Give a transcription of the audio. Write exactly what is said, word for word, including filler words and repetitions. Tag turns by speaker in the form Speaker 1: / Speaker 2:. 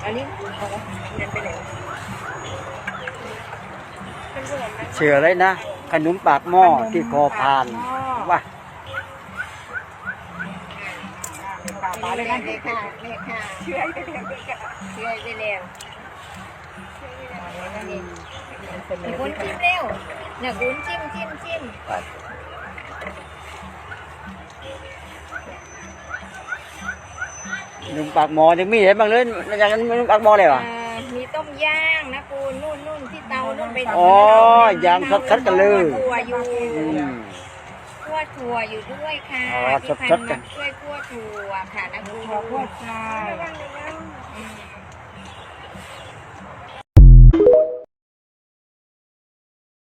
Speaker 1: อันนี้เอาละเงินไปไหนเป็นส่วนนะ
Speaker 2: เชื่อเลยนะขนมปากหม้อที่คอพานว่า
Speaker 1: ปากเลยนะเลขค่ะเลขค่ะเชื่อไปแล้วเชื่อไปแล้วคุณจิ้มเร็วเนี่ยคุณจิ้มจิ้มจิ้ม
Speaker 2: ขนมปากหม้อยังมีอะไรบ้างเลยอย่างนั้นขนมปากหม้อเลยเหรอ
Speaker 1: มีต้มย่างนะคุณนู่นนู่นที่เตานู่นไป
Speaker 2: อ๋ออย่างสดๆกันเลย
Speaker 1: คั่วอยู่
Speaker 2: อืม
Speaker 1: คั่วถั่วอยู่ด้วยค่ะ
Speaker 2: อ๋อ
Speaker 1: ที่พัน
Speaker 2: สดๆกั
Speaker 1: มาน ช่วยคั่วถั่วค่ะนะคุณ
Speaker 3: ขอโทษค่ะ